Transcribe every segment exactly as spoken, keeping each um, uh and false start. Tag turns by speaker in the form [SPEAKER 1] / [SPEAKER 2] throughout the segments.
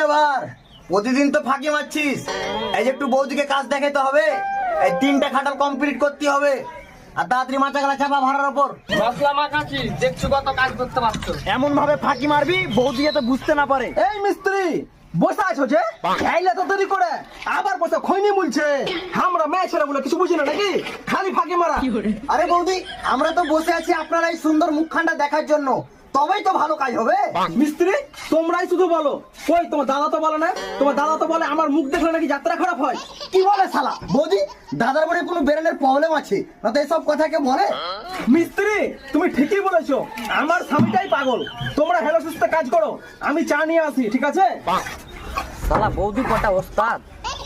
[SPEAKER 1] Labour, প্রতিদিন তো ফাঁকি মারছিস, এই যে একটু বৌদিকে কাজ দেখাতে হবে, এই তিনটা খাটাল কমপ্লিট করতে হবে, আর তাড়াতাড়ি মাথা গেলা চাপা ভাড়ার ওপর।
[SPEAKER 2] মশলা মাখাচ্ছি, দেখছো কত কাজ করতে পারছো।
[SPEAKER 1] এমন ভাবে ফাঁকি মারবি বৌদি যাতে বুঝতে না পারে।
[SPEAKER 3] এই মিস্ত্রি বসে আছো যে খাইলে তো দেরি করে আবার বসে খৈনি মুলছে। আমরা মেয়ে ছেলে বলে কিছু বুঝি না নাকি, খালি ফাঁকি মারা।
[SPEAKER 1] আরে বৌদি, আমরা তো বসে আছি আপনার এই সুন্দর মুখখানটা দেখার জন্য, তবেই তো ভালো কাজ হবে।
[SPEAKER 3] মিস্ত্রি তোমরাই শুধু বলো, কই তোমার দাদা তো বলে না? তোমার দাদা তো বলে আমার মুখ দেখলে নাকি যাত্রা খারাপ হয়।
[SPEAKER 1] কি বলে শালা? বৌদি, দাদার বাড়ি কোনো বেরেনের প্রবলেম আছে না তো এসব কথা কে বলে?
[SPEAKER 3] মিস্ত্রি তুমি ঠিকই বলেছো, আমার স্বামীটাই পাগল। তোমরা হেলো সুস্থে কাজ করো, আমি চা নিয়ে আসি, ঠিক আছে?
[SPEAKER 2] শালা বৌদি কটা ওস্তাদ।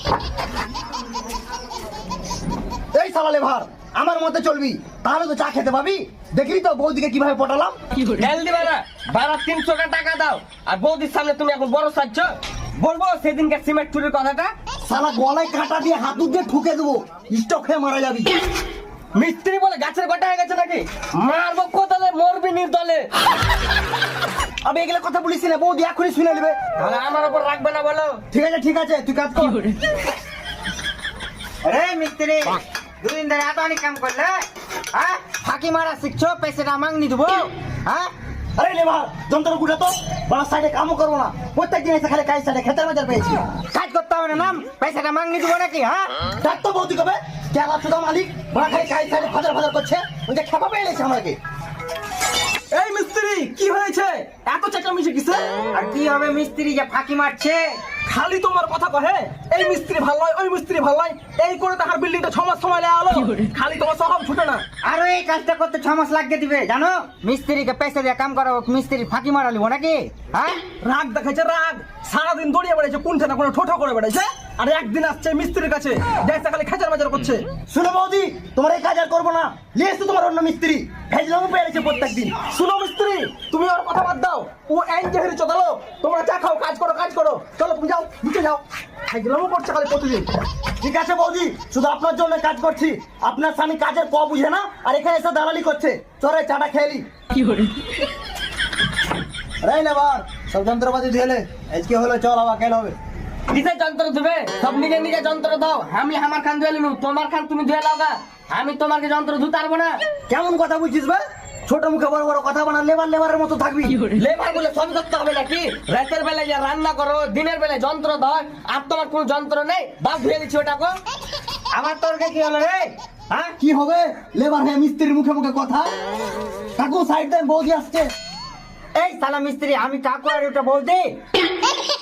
[SPEAKER 1] এই শালা লেভার, আমার মতে চলবি তাহলে তো চা খেতে পাবি। দেখলি তো বৌদিকে কিভাবে পটালাম।
[SPEAKER 2] তেল দিবে না, বারা তিনশো টাকা দাও, আর বৌদির সামনে তুমি এখন বড় সাজছ। বলবো সেদিনকে সিমেন্ট চুরির কথাটা।
[SPEAKER 1] শালা গলায় কাঁটা দিয়ে হাতুর দিয়ে ঠুকে দেবো, স্টক হয়ে মারা যাবি।
[SPEAKER 2] মিস্ত্রি বলে গাছের গোটা হয়ে গেছে নাকি? মারবো কোথালে, মরবি নির্দলে।
[SPEAKER 1] আমি এগুলো কথা বলিস না, বৌদি এখনই শুনে নেবে।
[SPEAKER 2] তাহলে আমার উপর রাখবে না বলো।
[SPEAKER 1] ঠিক আছে ঠিক আছে, তুই কাজ কর।
[SPEAKER 4] আরে মিস্ত্রি, দুদিন ধরে এত অনেক কাম করলে, হ্যাঁ ফাঁকি মারা শিখছো, পয়সাটা মাংনি দেবো। হ্যাঁ
[SPEAKER 1] আরে লেভার, যন্ত্র গুটা তো বাস সাইডে কামও করবো না, প্রত্যেক দিন এসে খালি কাজ সাইডে খেতে বাজার পেয়েছি।
[SPEAKER 4] কাজ করতে হবে না, নাম পয়সাটা মাংনি দেবো নাকি? হ্যাঁ
[SPEAKER 1] ডাক তো বৌদি কবে কেলা চুদা মালিক বড় খালি কাজ সাইডে ফাজার ফাজার করছে, ওই যে খেপা পেয়ে গেছে আমাকে।
[SPEAKER 3] এই মিস্ত্রি কি হয়েছে, এত চেঁচামেচি কিসে?
[SPEAKER 4] আর কি হবে মিস্ত্রি যে ফাঁকি মারছে?
[SPEAKER 3] খালি তোমার কথা কহে, এই মিস্ত্রি ভালো নয়, ওই মিস্ত্রি ভালো নয়, এই করে তাহার বিল্ডিংটা ছ মাস সময় লেয়া হলো। খালি তোমার স্বভাব ছুটে না।
[SPEAKER 4] আরো এই কাজটা করতে ছ মাস লাগিয়ে দিবে, জানো? মিস্ত্রিকে পয়সা দিয়ে কাম করাবো, মিস্ত্রি ফাঁকি মারা লিবো নাকি? হ্যাঁ
[SPEAKER 3] রাগ দেখাচ্ছে রাগ, সারাদিন দৌড়িয়ে বেড়াইছে, কোনটা না কোনো ঠোঁটো করে বেড়াইছে, আর একদিন আসছে মিস্ত্রির কাছে যাইছে খালি খেচার বাজার করছে।
[SPEAKER 1] শুনো বৌদি, তোমার এই কাজ আর করবো না, লিয়ে এসো তোমার অন্য মিস্ত্রি, ভেজলামও পেয়ে গেছে প্রত্যেক দিন।
[SPEAKER 3] শুনো মিস্ত্রি, তুমি ওর কথা বাদ দাও, ও এন জেহেরি চদালো। তোমরা চা খাও, কাজ করো কাজ করো, চলো তুমি যাও নিচে যাও। খাইলামও করছে খালি প্রতিদিন।
[SPEAKER 1] ঠিক আছে বৌদি, শুধু আপনার জন্য কাজ করছি, আপনার স্বামী কাজের প বুঝে না, আর এখানে এসে দালালি করছে। চলে চাটা খেলি। আরে লেবার, সব যন্ত্রপাতি ধুয়েলে, আজকে হলো চল আবার কেন হবে।
[SPEAKER 2] কিসের যন্ত্র ধুবে? সব নিজে নিজে যন্ত্র দাও। আমি আমার খান ধুয়ে নিবো, তোমার খান তুমি ধুয়ে লাও গা। আমি তোমাকে যন্ত্র ধুতে পারবো না।
[SPEAKER 1] কেমন কথা বুঝছিস বে? ছোট মুখে বড় বড় কথা বানা, লেবার লেবারের মতো থাকবি।
[SPEAKER 2] লেবার বলে সব করতে হবে নাকি? রাতের বেলায় যে রান্না করো, দিনের বেলায় যন্ত্র দাও, আর তোমার কোনো যন্ত্র নেই? বাস ধুয়ে দিচ্ছি ওটাকে।
[SPEAKER 4] আমার তোরকে কি হলো রে?
[SPEAKER 1] হ্যাঁ কি হবে? লেবার হ্যাঁ মিস্ত্রির মুখে মুখে কথা। কাকু সাইড দেন, বৌদি আসছে।
[SPEAKER 4] এই সালা মিস্ত্রি, আমি কাকু আর ওটা বলছি।